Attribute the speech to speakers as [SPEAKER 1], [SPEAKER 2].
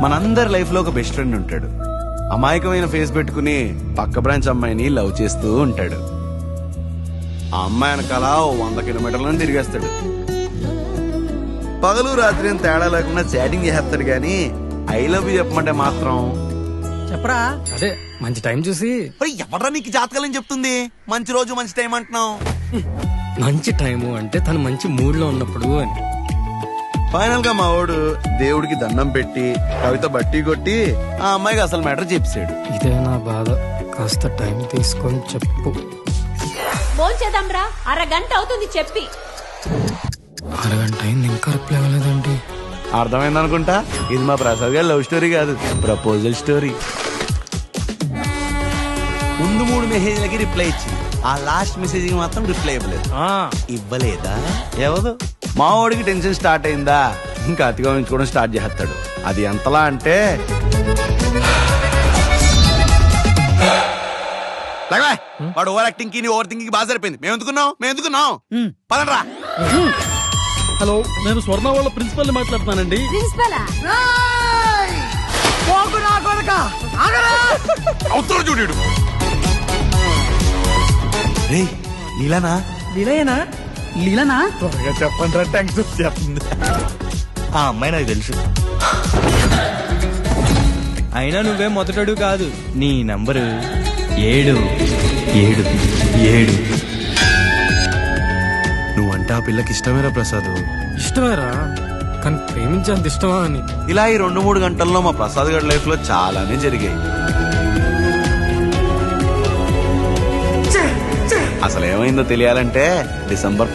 [SPEAKER 1] మనందరి లైఫ్ లో ఒక బెస్ట్ ఫ్రెండ్ ఉంటాడు. అమాయకమైన ఫేస్ పెట్టుకుని పక్క బ్రాంచ్ అమ్మాయిని లవ్ చేస్తూ ఉంటాడు. ఆ అమ్మాయి వెనకాల 100 కిలోమీటర్లను తిరిగేస్తాడు. పగలు రాత్రి అని తేడా లేకుండా చాటింగ్ చేస్తాడు గాని ఐ లవ్ యూ చెప్పమంటే మాత్రం
[SPEAKER 2] చెప్పరా.
[SPEAKER 3] అదే మంచి టైం చూసి.
[SPEAKER 1] ఎవరా నీకు జాతకాలని చెప్తుంది? మంచి రోజు మంచి టైం అంటున్నావు.
[SPEAKER 3] మంచి టైము అంటే తను మంచి మూడ్ లో ఉన్నప్పుడు అని.
[SPEAKER 1] ఫైనల్ గా మా వాడు దేవుడికి దండం పెట్టి కవిత బట్టి కొట్టి ఆ అమ్మాయికి అసలు మ్యాటర్ చెప్పాడు.
[SPEAKER 3] ఇదే నా బాధ, కాస్త టైం తీసుకొని చెప్పు.
[SPEAKER 4] భోంచేద్దాంరా, అరగంట అవుతుంది చెప్పి.
[SPEAKER 3] అరగంట అయింది ఇంకా రిప్లై అవ్వలేదండి.
[SPEAKER 1] అర్థమైంది అనుకుంటా. ఇది మా ప్రసాద్ గారి లవ్ స్టోరీ కాదు, ప్రపోజల్ స్టోరీ. ముందు 3 మెసేజ్లకి రిప్లై ఇచ్చింది, ఆ లాస్ట్ మెసేజ్ కి మాత్రం రిప్లై ఇవ్వలేదు. ఇవ్వలేదా? ఎవరు? మా వాడికి టెన్షన్ స్టార్ట్ అయిందా, ఇంకా అతిగా ఉంచుకోవడం స్టార్ట్ చేస్తాడు. అది ఎంతలా అంటే వాడు ఓవర్ యాక్టింగ్ కి ఓవర్ థింకింగ్ బాగా సరిపోయింది. మేము ఎందుకున్నాం పదండ్రా.
[SPEAKER 2] హలో, నేను స్వర్ణ వాళ్ళ ప్రిన్సిపల్ మాట్లాడుతున్నానండి.
[SPEAKER 4] ప్రిన్సిపలా?
[SPEAKER 1] చూడు రే నీలానా?
[SPEAKER 2] లీలయేనా? లీలనా?
[SPEAKER 1] త్వరగా చెప్పండి రా, థ్యాంక్స్ చెప్తుంది.
[SPEAKER 5] ఆ అమ్మాయి నాకు తెలుసు. అయినా నువ్వే మొదటడు కాదు. నీ నంబరు 777.
[SPEAKER 1] నువ్వంటే ఆ పిల్లకి ఇష్టమేరా ప్రసాద్?
[SPEAKER 3] ఇష్టమేరా, కానీ ప్రేమించేంత ఇష్టమా అని.
[SPEAKER 1] ఇలా ఈ 2-3 గంటల్లో మా ప్రసాద్ గారి లైఫ్ లో చాలానే జరిగాయి. అసలు ఏమైందో తెలియాలంటే డిసెంబర్